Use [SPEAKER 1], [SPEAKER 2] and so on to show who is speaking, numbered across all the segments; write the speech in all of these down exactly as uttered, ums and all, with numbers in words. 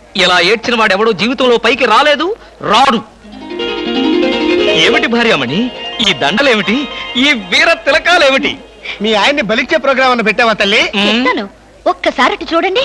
[SPEAKER 1] ఇలా ఏడ్చిన వాడెవడో జీవితంలో పైకి రాలేదు, రాడు. ఏమిటి భార్యామణి ఈ దండలేమిటి, ఈ వీర తిలకాలేమిటి?
[SPEAKER 2] మీ ఆయన్ని బలిచ్చే ప్రోగ్రామ్ అన్న పెట్టావా తల్లి?
[SPEAKER 3] చెప్తాను, ఒక్కసారి చూడండి.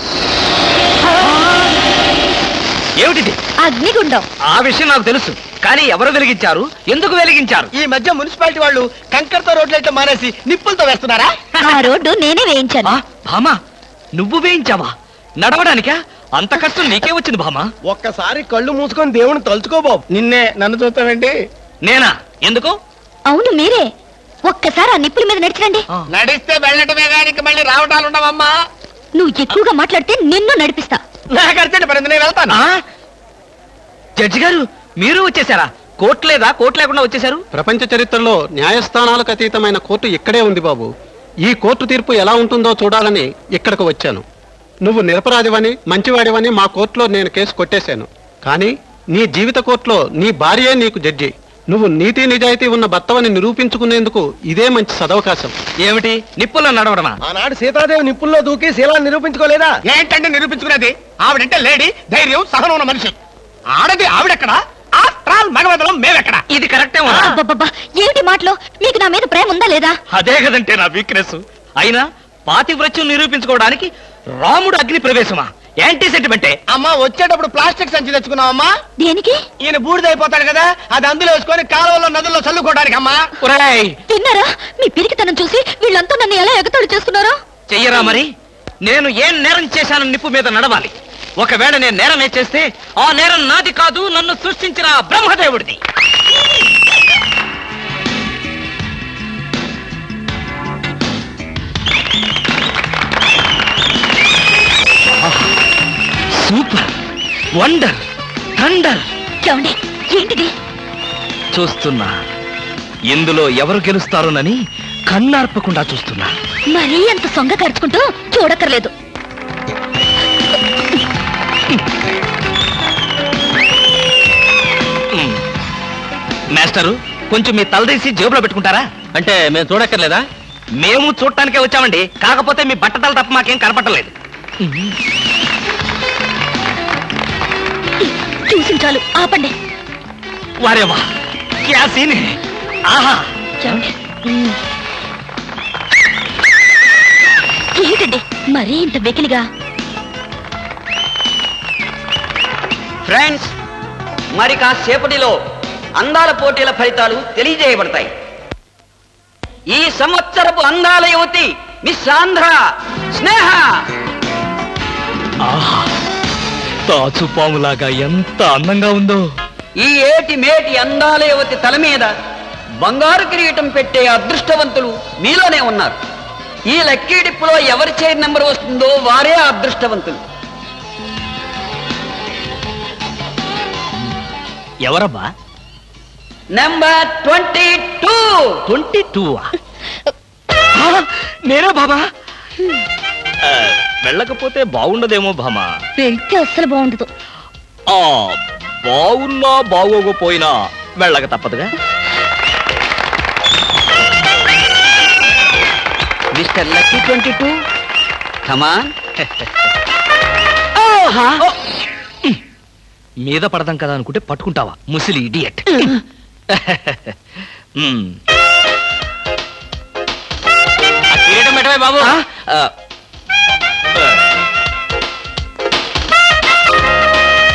[SPEAKER 1] ఏమిటిది?
[SPEAKER 3] అగ్నిగుండం.
[SPEAKER 1] ఆ విషయం నాకు తెలుసు, కానీ ఎవరు వెలిగించారు, ఎందుకు వెలిగించారు?
[SPEAKER 2] ఈ మధ్య మున్సిపాలిటీ వాళ్ళు కంకరతో రోడ్లైతే మానేసి నిప్పులతో వేస్తున్నారా?
[SPEAKER 3] ఆ రోడ్డు నేనే వేయించాను.
[SPEAKER 1] ఆ, భామా నువ్వు వేయించావా? నడవడానికా? అంత కష్టం నీకే వచ్చింది భామా?
[SPEAKER 2] ఒక్కసారి కళ్ళు మూసుకొని దేవుని తలుచుకో బాబు. నిన్నే నన్ను చూస్తావేంటి?
[SPEAKER 1] నేనా? ఎందుకు?
[SPEAKER 3] అవును మీరే. ఒక్కసారి ఆ నిప్పుల మీద నడిచిరండి.
[SPEAKER 1] ఆ.
[SPEAKER 2] నడిస్తే వెళ్ళటమే కానీ మళ్ళీ రావటాలు ఉండవమ్మా.
[SPEAKER 3] నువ్వు ఎక్కువగా మాట్లాడితే నిన్ను నడిపిస్తా.
[SPEAKER 2] నాకు అర్జెంట్ పడింది, నేను వెళ్తాను.
[SPEAKER 1] ఆ? జడ్జి గారు మీరు వచ్చేసారా? కోర్టు లేదా? కోర్టు లేకుండా వచ్చేసారు?
[SPEAKER 4] ప్రపంచ చరిత్రలో న్యాయస్థానాలకు అతీతమైన కోర్టు ఇక్కడే ఉంది బాబు. ఈ కోర్టు తీర్పు ఎలా ఉంటుందో చూడాలని ఇక్కడికి వచ్చాను. నువ్వు నిరపరాధివని, మంచివాడివని మా కోర్టులో నేను కేసు కొట్టేశాను. కానీ నీ జీవిత కోర్టులో నీ భార్యే నీకు జడ్జి. నువ్వు నీతి నిజాయితీ ఉన్న భర్తవని నిరూపించుకునేందుకు ఇదే మంచి సదవకాశం.
[SPEAKER 1] ఏమిటి నిప్పుల్లో నడవడమా?
[SPEAKER 2] ఆనాడు సీతాదేవి నిప్పుల్లో దూకి శీలాన్ని నిరూపించుకోలేదా? ఏంటంటే నిరూపించుకునేది? ఆవిడంటే లేడీ, ధైర్యం, సహనం ఉన్న మనిషి. ఆడది ఆవిడెక్కడ, ఆఫ్టర్ ఆల్ మగవదలం మేమెక్కడ?
[SPEAKER 1] ఇది కరెక్టే ఉన్నా?
[SPEAKER 3] అబ్బబ్బబ్బా, ఏమిటి మాటలో? మీకు నా మీద ప్రేమ ఉందా లేదా?
[SPEAKER 1] అదే కదంటే నా వీక్నెస్. అయినా పాతివ్రత్యం నిరూపించుకోవడానికి రాముడు అగ్ని ప్రవేశమా? యాంటీ సెంటిమెంటే.
[SPEAKER 2] అమ్మా వచ్చేటప్పుడు ప్లాస్టిక్ సంచి తెచ్చుకున్నావమ్మా.
[SPEAKER 3] దేనికి?
[SPEAKER 2] ఈయన బూడిదైపోతాడు కదా, అది అందులో వేసుకొని కాలువలో నదుల్లో చల్లుకోవడానికి అమ్మా.
[SPEAKER 1] ఒరేయ్,
[SPEAKER 3] విన్నారా? మీ పిరికితనం చూసి వీళ్ళంతా నన్ను ఎలా ఎగతాళి చేస్తున్నారో.
[SPEAKER 1] చెయ్యరా మరి? నేను ఏం నేరం చేశాను నిప్పు మీద నడవాలి. ఒకవేళ నేను నేరం ఏ చేస్తే ఆ నేరం నాది కాదు, నన్ను సృష్టించిన ఆ బ్రహ్మదేవుడిది. Super, wonder, thunder.
[SPEAKER 3] ఏమండి, ఏంటిది?
[SPEAKER 1] చూస్తున్నా, ఇందులో ఎవరు గెలుస్తారోనని కన్నార్పకుండా చూస్తున్నా.
[SPEAKER 3] మరీ అంత సొంగ ఖర్చుకుంటూ చూడక్కర్లేదు.
[SPEAKER 1] మాస్టరు, కొంచెం మీ తలదీసి జేబులో పెట్టుకుంటారా?
[SPEAKER 4] అంటే మేము చూడక్కర్లేదా?
[SPEAKER 1] మేము చూడటానికే వచ్చామండి, కాకపోతే మీ బట్టతలు తప్ప మాకేం కనపట్టలేదు.
[SPEAKER 3] చూసి చాలు, ఆపండి.
[SPEAKER 1] వారేవా, క్యా సీన్ హై. ఆహా,
[SPEAKER 3] ఏమండి? ఏంటండి మరీ ఇంత వెకిలిగా?
[SPEAKER 5] ఫ్రెండ్స్, మరి కాసేపటిలో అందాల పోటీల ఫలితాలు తెలియజేయబడతాయి. ఈ సంవత్సరపు అందాల యువతి మిస్ ఆంధ్ర స్నేహ.
[SPEAKER 1] ఆహా, తాచుపాములాగా ఎంత అందంగా ఉందో.
[SPEAKER 5] ఈ ఏటి మేటి అందాల యువతి తల మీద బంగారు కిరీటం పెట్టే అదృష్టవంతులు మీలోనే ఉన్నారు. ఈ లక్కీ డిప్పులో ఎవరి చైర్ నెంబర్ వస్తుందో వారే అదృష్టవంతులు.
[SPEAKER 1] ఎవరబ్బా?
[SPEAKER 5] Number twenty two.
[SPEAKER 1] Twenty two నేనే బాబా. ఆ, వెళ్ళకపోతే బాగుండదేమో భామా.
[SPEAKER 3] వెళ్తే అస్సలు బాగుండదు.
[SPEAKER 1] ఆ, బాగున్నా బాగోకపోయినా వెళ్ళక తప్పదుగా.
[SPEAKER 5] Mister lucky twenty two, come on.
[SPEAKER 1] మీద పడదాం కదా అనుకుంటే పట్టుకుంటావా ముసిలి ఇడియట్. బాబు